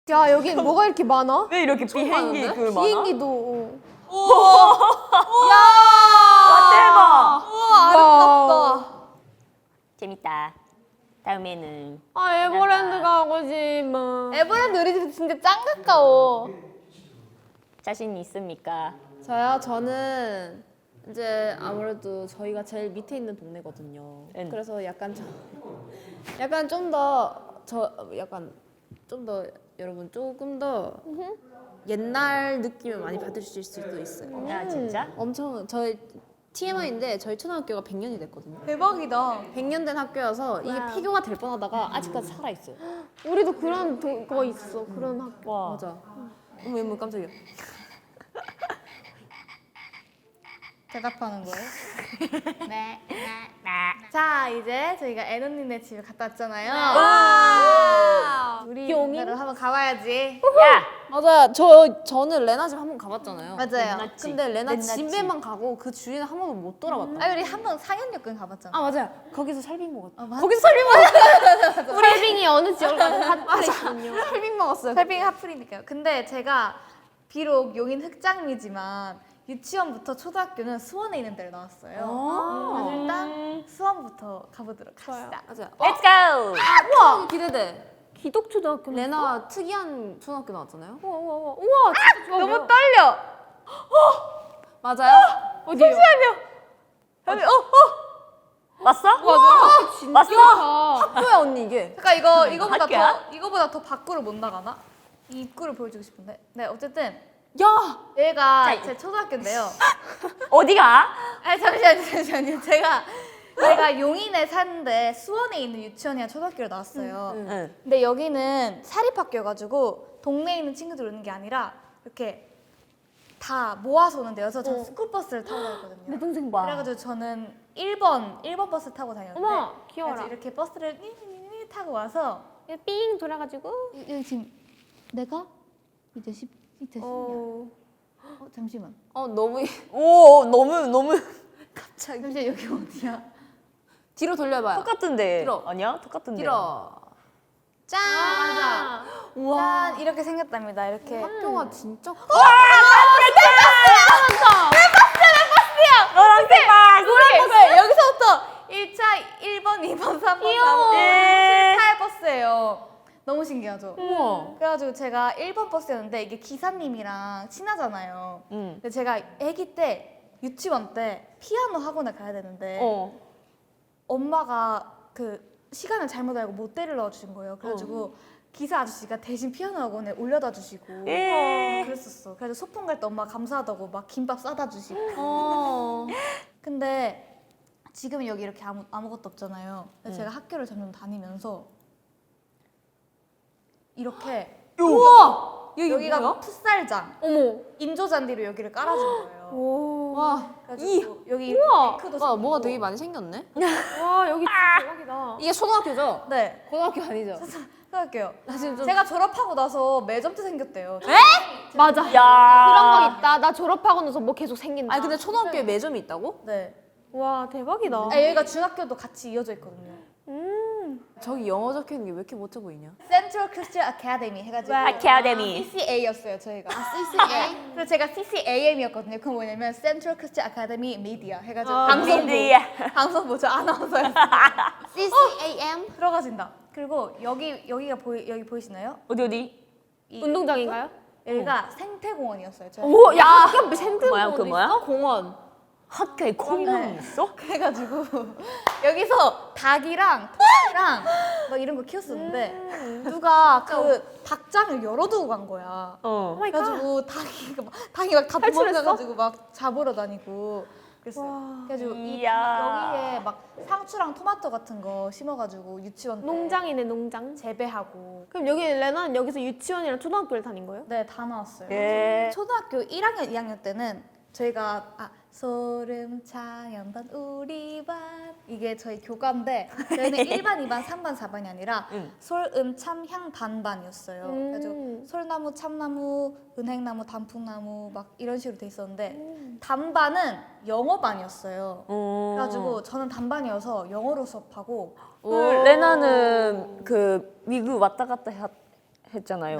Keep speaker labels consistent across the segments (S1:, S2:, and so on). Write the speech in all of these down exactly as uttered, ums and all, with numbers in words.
S1: 야 여기 뭐가 이렇게 많아?
S2: 왜 이렇게 비행기 그 많아?
S1: 비행기도.
S3: 우와.
S2: 와 대박.
S3: 우와 아름답다.
S2: 재밌다. 다음에는
S1: 아 에버랜드 가고 싶어.
S3: 에버랜드 우리 집 진짜 짱 가까워.
S2: 자신 있습니까?
S4: 저요? 저는 이제 아무래도 저희가 제일 밑에 있는 동네거든요.
S2: 응.
S4: 그래서 약간 저, 약간 좀 더 저 약간 좀 더 여러분 조금 더 옛날 느낌을 많이 받으실 수도 있어요.
S2: 아 진짜?
S4: 엄청 저희 티엠아이인데 저희 초등학교가 백 년이 됐거든요.
S3: 대박이다.
S4: 백 년 된 학교여서 이게
S1: 와우.
S4: 폐교가 될 뻔하다가 아직까지 살아 있어요.
S1: 우리도 그런 도, 거 있어. 그런 학교.
S2: 와.
S4: 맞아. 어머 어머 깜짝이야.
S3: 대답하는 거예요? 네. 자 이제 저희가 애노님네 집에 갔다 왔잖아요. 와. 우리 동네로 한번 가봐야지.
S2: 야.
S4: 맞아요. 저 저는 레나 집 한 번 가봤잖아요.
S3: 맞아요.
S2: 레나 집.
S4: 근데 레나
S3: 레나
S4: 집에만 가고 그 주위는 한 번도 못 돌아봤다.
S3: 아 우리 한 번 상현역근 가봤잖아.
S4: 아 맞아요. 거기서 설빙 먹었다.
S3: 아, 맞-
S4: 거기서 설빙 먹었다.
S1: 설빙이 어느 지역 가서 핫플 있거든요.
S4: 설빙 먹었어요.
S3: 설빙 하플이니까요. 근데 제가 비록 용인 흑장미지만 유치원부터 초등학교는 수원에 있는 데를 나왔어요.
S4: 아.
S3: 그래서 일단 수원부터 가보도록 합시다.
S4: 맞아요.
S2: Let's go.
S4: 우와 기대돼.
S1: 기독초등학교.
S4: 레나 특이한 초등학교 나왔잖아요.
S1: 우와 우와 우와. 우와 진짜 좋아.
S3: 너무
S1: 보여.
S3: 떨려.
S4: 맞아요?
S1: 어디요?
S3: 여기 어 어.
S2: 왔어?
S1: 와 진짜
S2: 왔어?
S1: 좋다.
S4: 학교야 언니 이게.
S3: 그러니까 이거 이거보다
S2: 학교야?
S3: 더 이거보다 더 밖으로 못 나가나? 이 입구를 보여주고 싶은데. 네 어쨌든
S4: 야.
S3: 얘가
S2: 자,
S3: 제 초등학교인데요.
S2: 어디가?
S3: 아 잠시만요 잠시만요. 제가 제가 용인에 사는데 수원에 있는 유치원이랑 초등학교를 나왔어요.
S2: 응.
S3: 근데 여기는 사립학교여가지고 동네에 있는 친구들 오는 게 아니라 이렇게 다 모아서 오는데요. 그래서 저는 스쿨버스를 타고 다녔거든요.
S1: 내 동생 봐.
S3: 그래가지고 저는 일 번 일 번 버스 타고 다녔는데
S1: 어머 귀여워라.
S3: 그래서 이렇게 버스를 니니니니 타고 와서
S1: 삥 돌아가지고.
S3: 여기 지금 내가 이제 십 이제 십이야.
S1: 어.
S3: 어 잠시만.
S4: 어 너무
S2: 오 너무 너무
S3: 갑자기 잠시 여기 어디야?
S4: 뒤로 돌려봐요.
S2: 똑같은데.
S4: 들어.
S2: 아니야? 똑같은데.
S4: 뒤로. 짠.
S3: 맞아.
S4: 우와.
S3: 짠 이렇게 생겼답니다. 이렇게.
S4: 학교가 진짜 커.
S2: 노란색 박.
S3: 노래 여기서부터 일 차 일 번, 이 번, 삼 번, 사 번,
S2: 예.
S3: 칠 타의 버스예요. 너무 신기하죠?
S4: 우와.
S3: 그래가지고 제가 일 번 버스였는데 이게 기사님이랑 친하잖아요.
S2: 응.
S3: 근데 제가 아기 때 유치원 때 피아노 학원을 가야 되는데
S2: 어.
S3: 엄마가 그 시간을 잘못 알고 못 데리러 주신 거예요. 그래가지고 기사 아저씨가 대신 피아노 학원에 올려다 주시고
S2: 예.
S3: 그랬었어. 그래서 소풍 갈 때 엄마 감사하다고 막 김밥 싸다 주시고.
S4: 어.
S3: 근데 지금은 여기 이렇게 아무, 아무것도 없잖아요. 근데 제가 학교를 점점 다니면서 이렇게
S4: 우와. 여기
S3: 여기가
S4: 뭐야?
S3: 풋살장,
S1: 어머.
S3: 인조잔디로 여기를 깔아준 거예요.
S1: 오.
S4: 와.
S3: 그래가지고 여기
S1: 우와.
S3: 뱅크도
S4: 와
S3: 생기고.
S4: 뭐가 되게 많이 생겼네.
S1: 와 여기 진짜 대박이다.
S4: 이게 초등학교죠?
S3: 네,
S4: 고등학교 아니죠?
S3: 생각할게요.
S4: 나 지금 좀
S3: 제가 졸업하고 나서 매점도 생겼대요.
S1: 맞아.
S2: 야.
S1: 그런 거 있다. 나 졸업하고 나서 뭐 계속 생긴다.
S4: 아니 근데 초등학교에 매점이 있다고?
S3: 네.
S1: 와 대박이다.
S3: 아, 여기가 중학교도 같이 이어져 있거든요.
S1: 음.
S4: 저기 영어 적혀 있는 게 왜 이렇게 멋져 보이냐?
S3: Central Christian Academy 해가지고
S2: 아카데미.
S3: 씨씨에이였어요 저희가. 아, 씨씨에이? 그래서 제가 씨씨에이엠이었거든요. 그건 뭐냐면 Central Christian Academy Media 해가지고
S1: 아,
S3: 방송부.
S2: 미디어.
S3: 방송부 저 아나운서였어요.
S4: 씨씨에이엠?
S3: 들어가진다. 그리고 여기 여기가 보이 여기 보이시나요?
S2: 어디 어디?
S3: 이-
S1: 운동장인가요?
S3: 여기가 생태공원이었어요. 저희.
S1: 오, 야, 학교 센터
S2: 뭐야, 그 뭐야?
S4: 공원.
S2: 학교에 공원이 있어?
S3: 그래가지고 여기서 닭이랑 토끼랑 막 이런 거 키웠었는데 누가 그 닭장을 열어두고 간 거야.
S2: 어.
S1: 마이 갓.
S3: 그래가지고 닭이 막 닭이 막 다
S1: 탈출했어?
S3: 도망가가지고 막 잡으러 다니고 그랬어요.
S1: 와.
S3: 그래가지고 이
S2: 이야.
S3: 여기에 막 상추랑 토마토 같은 거 심어가지고 유치원 때
S1: 농장이네 농장.
S3: 재배하고
S1: 그럼 여기 레나는 여기서 유치원이랑 초등학교를 다닌 거예요?
S3: 네 다 나왔어요.
S2: 예.
S3: 초등학교 일 학년, 이 학년 때는 저희가 아 소름 차연반 우리 반 이게 저희 교과인데 저희는 일 반, 이 반, 삼 반, 사 반이 아니라
S2: 응.
S3: 솔음 참향 반반이었어요.
S1: 음.
S3: 그래가지고 솔나무, 참나무, 은행나무, 단풍나무 막 이런 식으로 돼 있었는데 단반은 영어반이었어요.
S2: 어.
S3: 그래가지고 저는 단반이어서 영어로 수업하고
S2: 그 레나는 그 미국 왔다 갔다 했, 했잖아요.
S3: 네.
S2: 그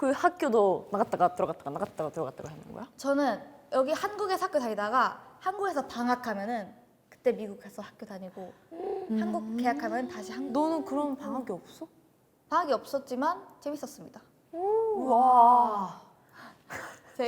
S2: 그 학교도 나갔다가 들어갔다가 나갔다가 들어갔다가 하는 거야?
S3: 저는 여기 한국에서 학교 다니다가 한국에서 방학하면은 그때 미국 가서 학교 다니고 한국 개학하면 다시 한국.
S4: 너는 그럼 방학이 없어?
S3: 방학이 없었지만 재밌었습니다.
S2: 와.
S3: 되게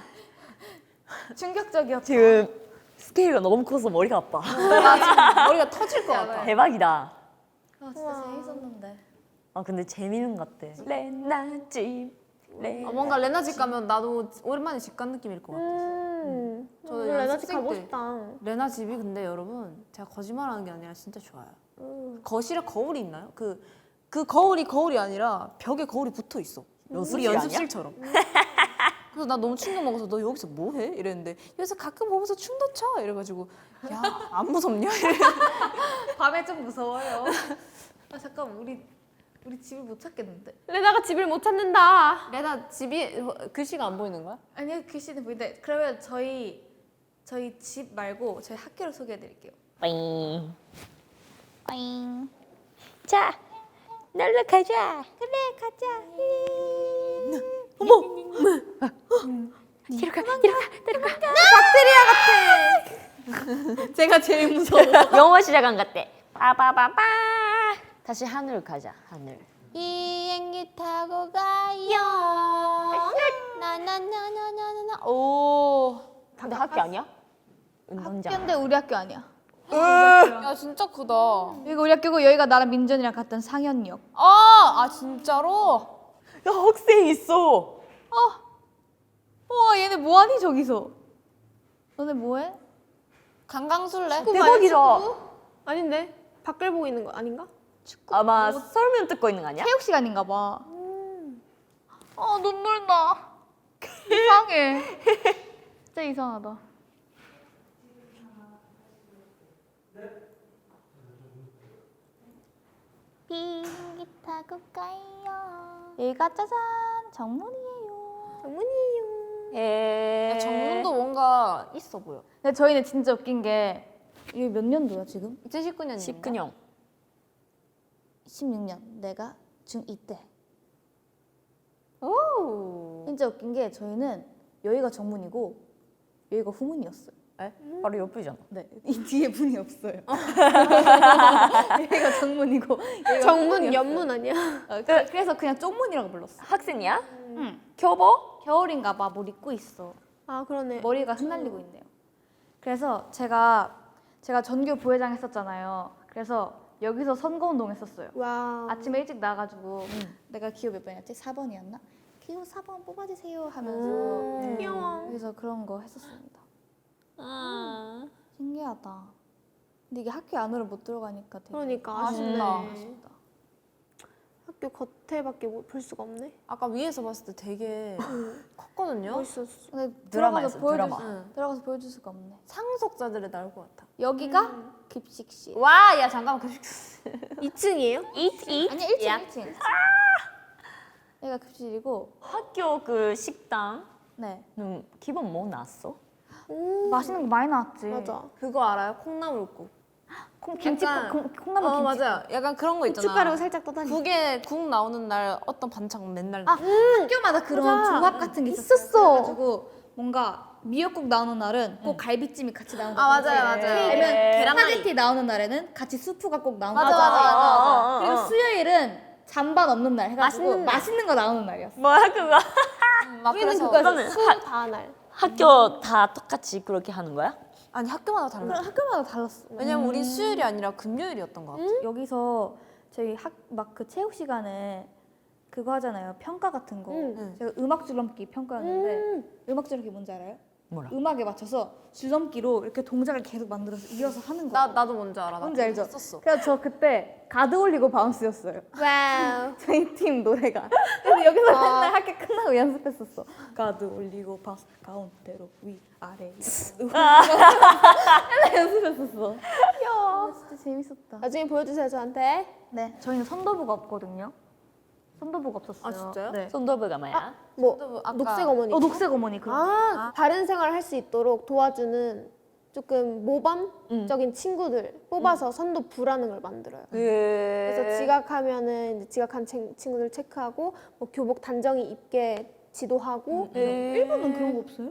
S3: 충격적이었죠.
S2: 지금 스케일가 너무 커서 머리가 아파.
S4: 나 지금 머리가 터질 것 같아.
S2: 대박이다.
S3: 아, 진짜 재밌었는데.
S2: 아 근데 재밌는 것 같아. 레나집. 레.
S4: 아, 뭔가 레나 집 가면 나도 오랜만에 집 간 느낌일 것 같아.
S1: 음.
S4: 저도
S1: 저도 레나집
S4: 연습생
S1: 가고
S4: 때
S1: 싶다.
S4: 레나 집이 근데 여러분 제가 거짓말하는 게 아니라 진짜 좋아요. 거실에 거울이 있나요? 그, 그 거울이 거울이 아니라 벽에 거울이 붙어 있어. 우리
S2: 연습실 아니야?
S4: 연습실처럼. 그래서 나 너무 충격 먹어서 너 여기서 뭐 해? 이랬는데 여기서 가끔 보면서 춤도 춰 이래가지고 야 안 무섭냐? 이래.
S3: 밤에 좀 무서워요. 아 잠깐 우리 우리 집을 못 찾겠는데.
S1: 레나가 집을 못 찾는다.
S4: 레나 집이 글씨가 안 보이는 거야?
S3: 아니요 글씨는 보이는데 그러면 저희 저희 집 말고 저희 학교를 소개해드릴게요.
S2: 빠잉.
S3: 빠잉.
S2: 자, 놀러 가자.
S3: 그래 가자.
S2: 뒤로 가, 뒤로 가.
S3: 제가 제일 무서워.
S2: 영어 시작한 같대. 빠바바바. 다시 하늘 가자. 하늘.
S3: 비행기 타고 가요. 나나나나나나. 오.
S2: 근데 학교 아니야? 운동장.
S3: 학교인데 우리 학교 아니야.
S4: 야 진짜 크다.
S3: 여기가 우리 학교고 여기가 나랑 민전이랑 갔던 상현역.
S4: 아, 아 진짜로?
S2: 야 학생 있어.
S3: 우와 얘네 뭐하니 저기서? 너네 뭐해? 강강술래?
S2: 대박이다.
S1: 아닌데? 밖을 보고 있는 거 아닌가?
S2: 아마 설문 듣고 있는 거 아니야?
S3: 체육 시간인가 봐. 아 눈물 나. 이상해. 진짜 이상하다. 비행기 타고 가요. 여기가 짜잔 정문이에요.
S1: 정문이에요.
S2: 예.
S4: 야, 정문도 뭔가 있어 보여.
S3: 근데 저희는 진짜 웃긴 게 이게 몇 년도야 지금?
S4: 이천십구 년인가?
S2: 십구 년.
S3: 십육 년. 내가 중이 때.
S4: 오.
S3: 진짜 웃긴 게 저희는 여기가 정문이고 여기가 후문이었어요.
S2: 에? 바로 옆이잖아.
S3: 네, 이 뒤에 문이 없어요. 여기가 정문이고 여기가
S1: 정문
S3: 후문이었어요.
S1: 연문 아니야?
S3: 어, 그- 그래서 그냥 쪽문이라고 불렀어.
S2: 학생이야?
S3: 응.
S2: 교보?
S3: 겨울인가 봐. 뭘 입고 있어.
S1: 아 그러네.
S3: 머리가 흩날리고 있네요. 그래서 제가 제가 전교 부회장 했었잖아요. 그래서 여기서 선거운동 했었어요.
S1: 와.
S3: 아침에 일찍 나가지고 내가 기호 몇 번이었지? 사 번이었나? 기호 사 번 뽑아주세요 하면서
S2: 음.
S1: 귀여워.
S3: 여기서 그런 거 했었습니다.
S2: 아.
S3: 신기하다. 근데 이게 학교 안으로 못 들어가니까 되게
S1: 그러니까 아쉽네.
S3: 아쉽다.
S1: 학교 겉에밖에 못- 볼 수가 없네.
S4: 아까 위에서 봤을 때 되게 컸거든요.
S1: 멋있었어.
S3: 근데
S2: 드라마였어,
S3: 들어가서 보여줄
S2: 드라마.
S3: 수,
S4: 응.
S3: 들어가서 보여줄 수가 없네.
S4: 상속자들의 나올 것 같아.
S3: 여기가 급식실.
S4: 와, 야 잠깐만 그
S1: 이 층이에요?
S2: Eat, eat.
S3: 아니 일 층
S2: 야.
S3: 일 층. 여기가 급식이고
S2: 학교 그 식당은
S3: 네
S2: 기본 뭐 나왔어?
S1: 오.
S3: 맛있는 거 많이 나왔지.
S1: 맞아.
S4: 그거 알아요? 콩나물국.
S3: 콩, 김치
S4: 약간-
S3: 콩, 콩나물
S4: 어
S3: 김치.
S4: 맞아요. 약간 그런 거 있잖아.
S1: 고춧가루 살짝 떠다니.
S4: 국에 국 나오는 날 어떤 반찬 맨날
S3: 아 학교마다 그런
S1: 맞아.
S3: 조합 같은 게 있었어.
S1: 있었어.
S3: 그래가지고 뭔가 미역국 나오는 날은 꼭 갈비찜이 같이 나오는
S4: 아, 맞아요, 맞아요.
S3: 아니면
S2: 계란말이.
S3: 스파게티 나오는 날에는 같이 수프가 꼭 나오는
S4: 맞아,
S3: 거야.
S4: 맞아, 맞아,
S2: 맞아.
S3: 그리고
S2: 어, 어.
S3: 수요일은 잔반 없는 날 해가지고
S1: 맛있는 날.
S3: 맛있는 거 나오는 날이었어.
S2: 뭐야 그거?
S4: 막
S1: 우리는
S4: 그래서
S1: 그거였어. 수다 날.
S2: 학교 다 똑같이 그렇게 하는 거야?
S4: 아니 학교마다 달라.
S3: 그럼 학교마다 달랐어.
S4: 왜냐면 우리 수요일이 아니라 금요일이었던 것 같아.
S3: 여기서 저희 학 막 그 체육 시간에 그거 하잖아요. 평가 같은 거.
S1: 응.
S3: 제가 음악 줄넘기 평가였는데
S1: 음.
S3: 음악 줄넘기 뭔지 알아요?
S2: 뭐라?
S3: 음악에 맞춰서 줄넘기로 이렇게 동작을 계속 만들어서 이어서 하는 거.
S4: 나 나도 뭔지 알아. 나
S3: 뭔지 알죠?
S4: 했었어.
S3: 그래서 저 그때 가드 올리고 바운스였어요.
S1: 와우.
S3: 저희 팀 노래가. 그래서 여기서 맨날 학교 끝나고 연습했었어. 가드 올리고 바운스 가운데로 위 아래 위. 맨날 연습했었어. 아, 진짜 재밌었다.
S1: 나중에 보여주세요 저한테.
S3: 네, 저희는 선도부가 없거든요. 선도부가 없었어요.
S4: 아, 진짜요?
S3: 네.
S2: 손도부가 뭐야?
S1: 뭐
S4: 또 아까-
S1: 녹색 어머니.
S3: 어, 녹색 어머니 그거.
S1: 아, 바른 생활을 할 수 있도록 도와주는 조금 모범적인 친구들 뽑아서 선도 부라는 걸 만들어요.
S2: 예.
S1: 그래서 지각하면은 이제 지각한 친- 친구들 체크하고 뭐 교복 단정히 입게 지도하고
S3: 일본은 그런 거 없어요?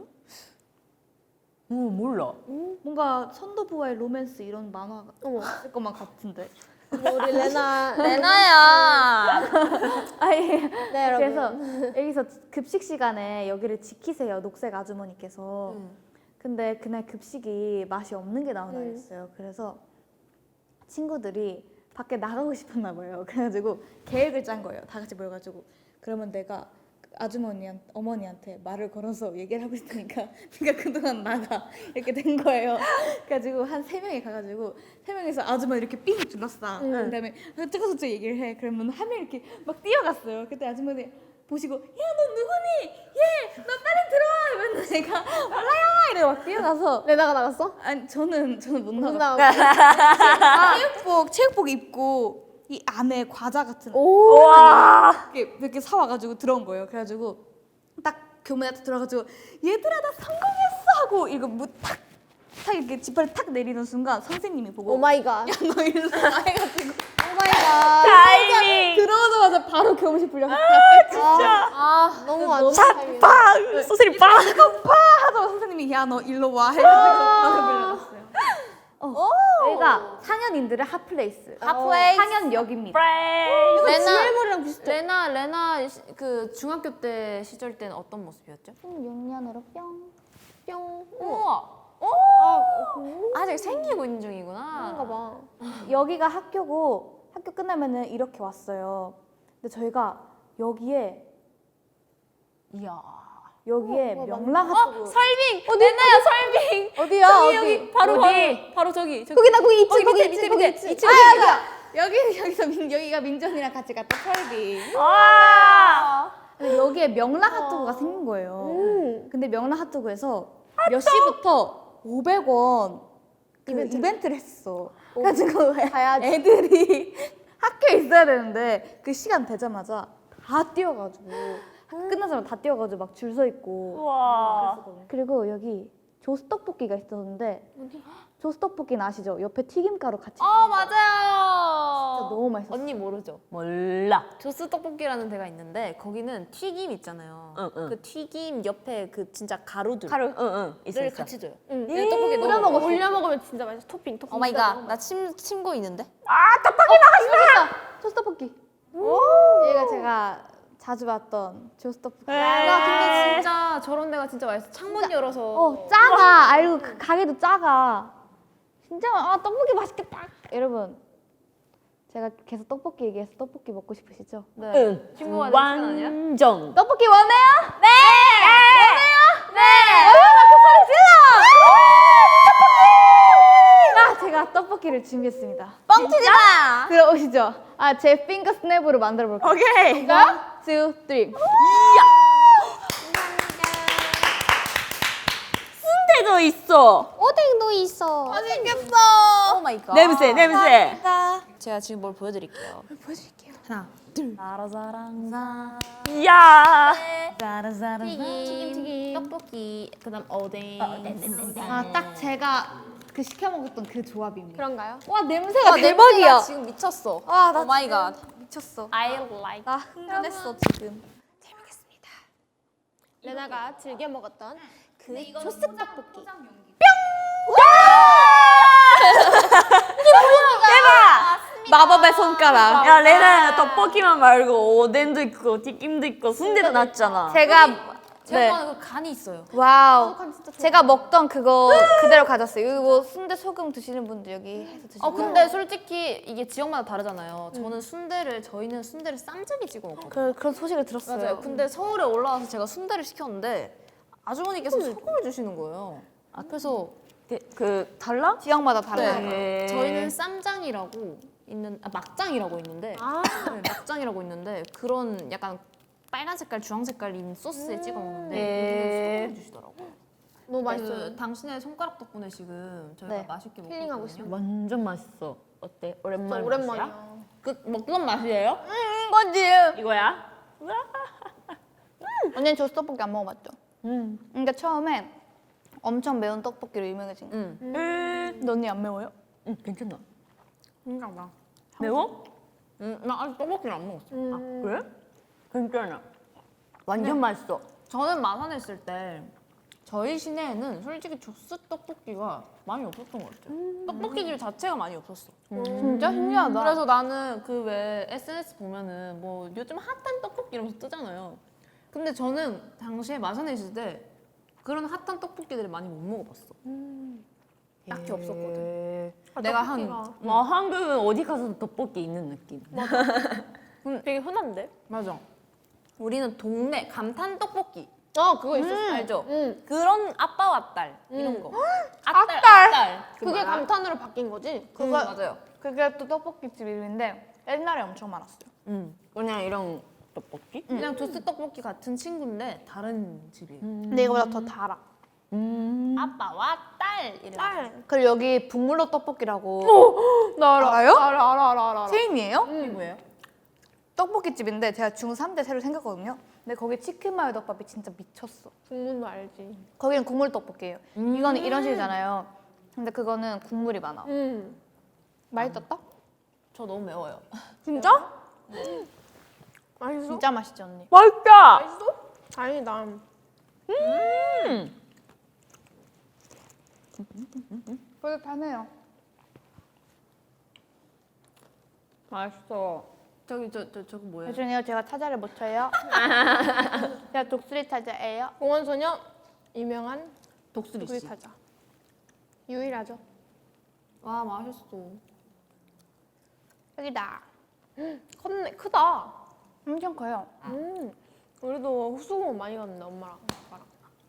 S2: 어 몰라.
S3: 뭔가 선도부와의 로맨스 이런 만화
S1: 어머
S3: 있을 것만 같은데.
S1: 뭐 우리 레나
S2: 레나야.
S3: 아니
S1: 네 여러분
S3: 그래서 여기서 급식 시간에 여기를 지키세요 녹색 아주머니께서.
S4: 음.
S3: 근데 그날 급식이 맛이 없는 게 나온
S1: 음.
S3: 날이었어요. 그래서 친구들이 밖에 나가고 싶었나 봐요. 그래가지고 계획을 짠 거예요. 다 같이 모여가지고 그러면 내가 아주머니한 어머니한테 말을 걸어서 얘기를 하고 있으니까 네가 그동안 나가 이렇게 된 거예요. 그래가지고 한 세 명이 가가지고 세 명이서 아주머니 이렇게 삥 둘러싸. 그다음에 저저저 얘기를 해. 그러면 한 명 이렇게 막 뛰어갔어요. 그때 아주머니 보시고 야 너 누구니? 얘 너 빨리 들어와. 이러면 내가 몰라요 이래 막 뛰어가서
S1: 레나가 나갔어?
S3: 아니 저는 저는 못
S1: 못
S3: 나가.
S1: 나갔어.
S3: 체육복 체육복 입고 이 안에 과자 같은
S1: 오
S2: 와.
S3: 이렇게 이렇게 사와가지고 들어온 거예요. 그래가지고 딱 교문에 딱 들어가지고 얘들아 나 성공했어 하고 이거 뭐탁탁 이렇게 지퍼를 탁 내리는 순간 선생님이 보고
S1: 오 마이 갓.
S3: 너 이리로 와 해가지고
S1: 오 마이 갓.
S2: 타이밍.
S3: 들어오자마자 바로 교무실 불려서
S1: 진짜. 아 너무 안 좋은 타이밍.
S2: 빵. 소설이 빵.
S3: 하자마자 선생님이 야 너 일로 와 해가지고 바로 불려갔어요. 어. 여기가 상현인들의 핫플레이스.
S4: 핫플레이스.
S3: 상현역입니다.
S2: 프레이.
S1: 지엘몰이랑 비슷해.
S4: 레나 레나 시- 그 중학교 때 시절 때는 어떤 모습이었죠?
S3: 십육 년으로 뿅.
S1: 뿅.
S4: 우와. 오.
S1: 아
S4: 아직 생기고 있는 중이구나.
S1: 그런가 봐.
S3: 여기가 학교고 학교 끝나면은 이렇게 왔어요. 근데 저희가 여기에
S4: 이야.
S3: 여기에
S1: 어, 어,
S3: 명랑
S1: 맞네.
S3: 핫도그
S4: 설빙. 어디 레나야 설빙.
S1: 어디야
S4: 저기,
S1: 어디?
S4: 여기 바로
S2: 어디?
S4: 바로 바로 저기. 저기.
S1: 거기다 거기 있지
S4: 거기
S1: 거기
S4: 밑에,
S1: 있지
S4: 밑에,
S1: 거기
S4: 밑에.
S1: 있지.
S4: 이층.
S1: 아 여기야.
S3: 여기 여기서 민, 여기가 민전이랑 같이 갔던 설빙.
S2: 와.
S3: 근데 여기에 명랑 핫도그가 생긴 거예요.
S1: 음.
S3: 근데 명랑 핫도그에서 몇 시부터 오백 원 그
S1: 이벤트.
S3: 이벤트를 했어. 그래가지고
S1: 가야지.
S3: 애들이 학교에 있어야 되는데 그 시간 되자마자 다 뛰어가지고 학교 끝나자마자 다 뛰어가지고 막 줄 서 있고.
S2: 와.
S3: 그랬었거든요. 그리고 여기 조스 떡볶이가 있었는데 조스 떡볶이는 아시죠? 옆에 튀김가루 같이.
S4: 어
S3: 진짜
S4: 맞아요.
S3: 너무 맛있었어.
S4: 언니 모르죠?
S2: 몰라.
S4: 조스 떡볶이라는 데가 있는데 거기는 튀김 있잖아요.
S2: 응, 응.
S4: 그 튀김 옆에 그 진짜 가루들.
S2: 가루. 응응. 있어
S4: 를
S2: 있어.
S4: 같이 줘요.
S1: 응.
S4: 네, 떡볶이
S1: 올려
S4: 넣어
S1: 먹어.
S4: 먹어.
S1: 올려 먹으면 진짜 맛있어. 토핑 토핑.
S4: 오 마이 갓. 나 침 침고 있는데.
S3: 조스 떡볶이. 얘가 제가 자주 봤던 조스 떡볶이.
S4: 야 근데 진짜 저런 데가 진짜 맛있어. 창문 열어서.
S3: 어 작아. 알고 그 가게도 작아. 진짜 아 떡볶이 맛있겠다. 여러분 제가 계속 떡볶이 얘기해서 떡볶이 먹고 싶으시죠?
S4: 네.
S2: 응.
S4: 친구가 되는 시간 아니야?
S2: 완전.
S3: 떡볶이 원해요? 네.
S2: 네.
S3: 아 제가 떡볶이를 준비했습니다.
S2: 뻥치지 마.
S3: 들어오시죠. 아 제 핑거 스냅으로 만들어 볼게요.
S2: 오케이.
S3: 원, 투, 쓰리.
S2: 순대도 있어.
S1: 오뎅도 있어.
S4: 오 마이 갓.
S2: 냄새 냄새.
S4: 제가 지금 뭘 보여드릴게요.
S3: 보여드릴게요.
S4: 하나, 둘. 사라사랑사.
S2: 이야.
S3: 짜라짜라.
S4: 튀김 튀김. 떡볶이. 그다음 오뎅.
S3: 아딱 제가 그 시켜 먹었던 그 조합입니다.
S1: 그런가요?
S3: 와 냄새가
S4: 와 냄새가 지금 미쳤어.
S3: 와, 나
S4: 오 마이 갓.
S3: 미쳤어.
S4: I like.
S3: 나 흥분했어 지금.
S1: 레나가 즐겨 먹었던 그 조스 떡볶이.
S3: 마법의 손가락.
S2: 야 레나야 떡볶이만 말고 오뎅도 있고 튀김도 있고 순대도 났잖아.
S3: 제가
S4: 제가
S3: 네.
S4: 좋아하는 그 간이 있어요.
S3: 와우. 제가 먹던 그거 그대로 가졌어요. 여기 뭐 순대 소금 드시는 분들 여기 해서 드시고.
S4: 어 근데 솔직히 이게 지역마다 다르잖아요. 저는 순대를 저희는 순대를 쌈장에 찍어 먹거든요.
S3: 그, 그런 소식을 들었어요.
S4: 맞아요. 근데 서울에 올라와서 제가 순대를 시켰는데 아주머니께서 소금을 주시는 거예요. 아, 그래서
S2: 그, 그 달라?
S3: 지역마다 달라요.
S2: 네.
S4: 저희는 쌈장이라고 있는 아, 막장이라고 있는데
S1: 아.
S4: 네, 막장이라고 있는데 그런 약간 빨간 색깔, 주황 색깔인 소스에 찍어 먹는데
S2: 네.
S4: 여기는 소금을 주시더라고요.
S1: 너무
S4: 그
S1: 맛있어요.
S4: 당신의 손가락 덕분에 지금 저희가
S3: 네.
S4: 맛있게 먹고
S1: 힐링하고
S4: 있거든요.
S1: 있습니다.
S2: 완전 맛있어. 어때?
S1: 진짜
S2: 오랜만에
S1: 오랜만이야.
S4: 그 먹던 맛이에요?
S3: 음, 거지.
S2: 이거야?
S3: 언니는 조스 떡볶이 안 먹어봤죠?
S2: 음.
S3: 그러니까 처음에 엄청 매운 떡볶이로 유명해진 거.
S4: 응.
S3: 근데 언니 안 매워요?
S2: 응, 괜찮아.
S4: 신기하다.
S2: 매워?
S4: 응, 나 아직 떡볶이를 안 먹었어.
S1: 음.
S2: 아, 그래? 괜찮아. 완전 맛있어.
S4: 저는 마산에 있을 때 저희 시내에는 솔직히 조스 떡볶이가 많이 없었던 것 같아요. 떡볶이 집 자체가 많이 없었어.
S3: 진짜 신기하다.
S4: 그래서 나는 그 왜 에스엔에스 보면은 뭐 요즘 핫한 떡볶이 이러면서 뜨잖아요. 근데 저는 당시에 마산에 있을 때 그런 핫한 떡볶이들을 많이 못 먹어봤어. 딱히 없었거든.
S1: 아,
S4: 내가
S1: 떡볶이가.
S4: 한
S2: 뭐 한국은 어디 가서도 떡볶이 있는 느낌.
S1: 되게 흔한데?
S4: 맞아. 우리는 동네 감탄 떡볶이
S1: 어 그거 있었어.
S4: 알죠?
S1: 응.
S4: 그런 아빠와 딸 이런 거.
S1: 아딸!
S4: 아딸. 그
S1: 그게
S4: 말아?
S1: 감탄으로 바뀐 거지?
S4: 그거 맞아요.
S3: 그게 또 떡볶이집 이름인데 옛날에 엄청 많았어요.
S2: 응. 그냥 이런 떡볶이?
S4: 그냥 조스 떡볶이 같은 친구인데 다른 집이에요.
S3: 근데 이거보다 더 달아.
S2: 음.
S4: 아빠와 딸 이름.
S1: 딸.
S3: 그리고 여기 북물로 떡볶이라고
S1: 나 알아.
S3: 알아요?
S1: 알아 알아 알아 알아.
S3: 체인이에요?
S4: 이게 뭐예요?
S3: 떡볶이집인데 제가 중삼 때 새로 생겼거든요. 근데 거기 치킨 마요 덮밥이 진짜 미쳤어.
S1: 국문도 알지.
S3: 거기는 국물 떡볶이에요. 이거는 이런 식이잖아요. 근데 그거는 국물이 많아.
S1: 응.
S3: 맛있었다?
S4: 저 너무 매워요.
S1: 진짜? 맛있어?
S3: 진짜 맛있지 언니.
S2: 맛있다.
S1: 맛있어? 다행이다.
S3: 뿌듯하네요.
S2: 맛있어.
S4: 저기 저 저 저거 뭐예요?
S3: 죄송해요. 제가 타자를 못 쳐요. 제가 독수리 타자예요.
S1: 공원소녀 유명한
S4: 독수리
S1: 우리
S4: 씨.
S1: 타자. 유일하죠.
S4: 와 맛있어.
S3: 여기다.
S1: 컸네 크다.
S3: 엄청 커요.
S1: 음. 우리도 호수공원 많이 갔는데 엄마랑 아빠랑.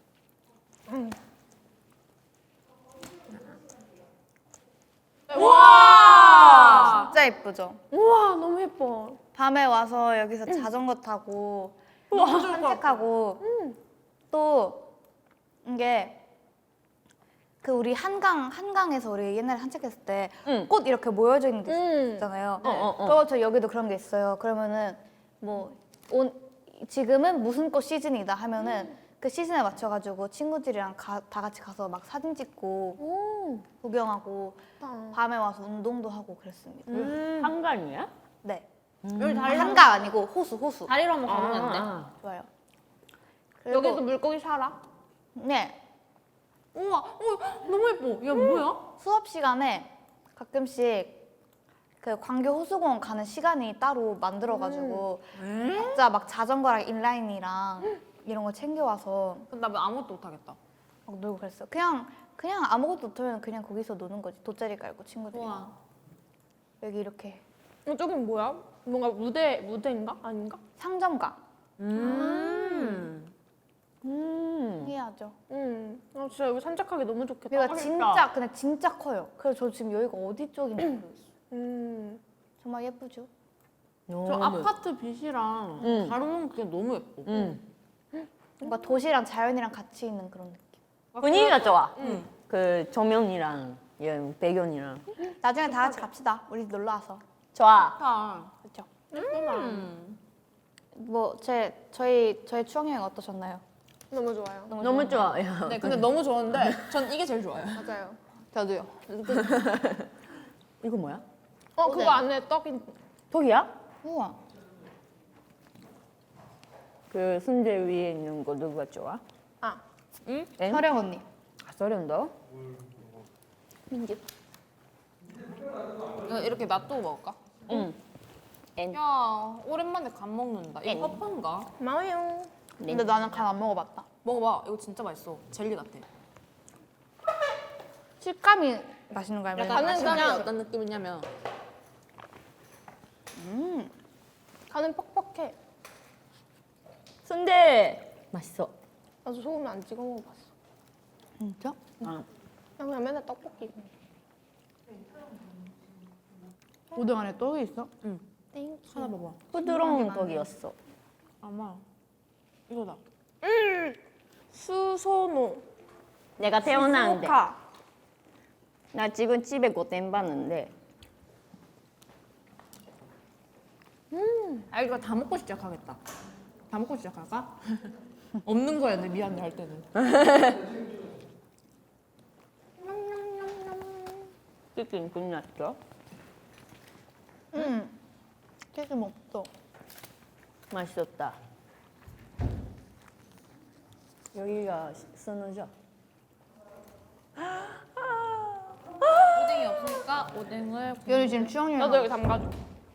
S4: 와.
S3: 진짜 예쁘죠?
S1: 우와 너무 예뻐.
S3: 밤에 와서 여기서 자전거 타고 산책하고 또 이게 그 우리 한강 한강에서 우리 옛날에 산책했을 때
S2: 응.
S3: 꽃 이렇게 모여져 있는 데
S1: 음.
S3: 있잖아요.
S2: 어, 어, 어.
S3: 그거 저 여기도 그런 게 있어요. 그러면은 뭐 온, 지금은 무슨 꽃 시즌이다 하면은 그 시즌에 맞춰가지고 친구들이랑 가, 다 같이 가서 막 사진 찍고
S1: 오.
S3: 구경하고
S1: 좋다.
S3: 밤에 와서 운동도 하고 그랬습니다.
S2: 음. 한강이야?
S3: 네.
S4: 여기 다리로
S3: 한강 아니고 호수 호수.
S4: 다리로 한번 가보면 안 돼?
S2: 아.
S3: 좋아요. 그리고
S1: 여기도 물고기 살아?
S3: 네.
S4: 우와, 어, 너무 예뻐. 야 뭐야?
S3: 수업 시간에 가끔씩 그 광교 호수공원 가는 시간이 따로 만들어가지고 각자 막 자전거랑 인라인이랑 이런 거 챙겨와서
S4: 근데 나 아무것도 못하겠다.
S3: 막 놀고 그랬어요. 그냥 그냥 아무것도 못하면 그냥 거기서 노는 거지. 돗자리 깔고 친구들이랑.
S4: 우와.
S3: 여기 이렇게
S1: 이쪽은 뭐야? 뭔가 무대 무대인가? 아닌가?
S3: 상점가.
S2: 음. 음.
S3: 신기하죠.
S1: 음. 아 진짜 여기 산책하기 너무 좋겠다.
S3: 여기가 진짜 근데 진짜 커요. 그래서 저 지금 여기가 어디 쪽인지 모르겠어요.
S1: 음.
S3: 정말 예쁘죠?
S4: 저
S2: 너무
S4: 아파트 빛이랑
S2: 응.
S4: 다른 게 너무 예뻐.
S2: 응.
S3: 뭔가 도시랑 자연이랑 같이 있는 그런 느낌.
S2: 분위기가 좋아.
S4: 응.
S2: 그 조명이랑 이런 배경이랑.
S3: 나중에 다 같이 갑시다. 우리 놀러 와서.
S2: 좋아.
S4: 좋다.
S3: 그렇죠?
S4: 음.
S3: 뭐 제 저희 저희 추억 여행 어떠셨나요?
S1: 너무 좋아요.
S2: 너무 좋아요.
S4: 네, 근데 너무 좋은데 전 이게 제일 좋아요.
S1: 맞아요.
S3: 저도요.
S2: 이거 뭐야?
S1: 어 그거 안에 떡인.
S2: 독이야?
S3: 우와.
S2: 그 순대 위에 있는 거 누가 좋아?
S1: 아.
S2: 응?
S3: 서령 언니.
S2: 아, 서른도?
S3: 민지.
S4: 이거 이렇게 놔두고 먹을까?
S2: 응. 엔.
S4: 야, 오랜만에 간 먹는다.
S2: 엔.
S4: 이거 허파인가?
S1: 고마워요.
S3: 근데 나는 간 안 먹어봤다.
S4: 먹어봐. 이거 진짜 맛있어. 젤리 같아.
S3: 식감이 맛있는 거야.
S4: 약간
S1: 나는
S4: 맛있는 게
S1: 그냥-
S4: 어떤 느낌이냐면
S3: 음.
S1: 간은 퍽퍽해.
S2: 순대 맛있어.
S1: 나도 소금 안 찍어 먹어봤어.
S3: 진짜?
S2: 아.
S1: 나 그냥 맨날 떡볶이.
S3: 오뎅 안에 떡이 있어?
S1: 땡.
S4: 하나 봐봐.
S2: 부드러운 떡이었어.
S4: 아마 이거다.
S1: 수소노.
S2: 내가 태어났는데.
S1: 수카.
S2: 나 지금 집에 고된 봤는데.
S4: 아 이거 다 먹고 시작하겠다. 다 먹고 시작할까? 없는 거였네 미안해 할 때는.
S2: 치킨 끝났죠?
S3: 응. 치즈 먹어.
S2: 맛있었다. 여기가 선우죠?
S4: 오뎅이 없으니까 오뎅을
S3: 여기 지금 추억여행.
S1: 나도 여기 담가줘.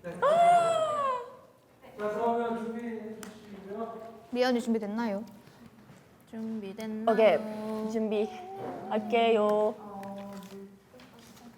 S3: 미연이 준비됐나요?
S4: 준비됐나요?
S2: 오케이 준비할게요.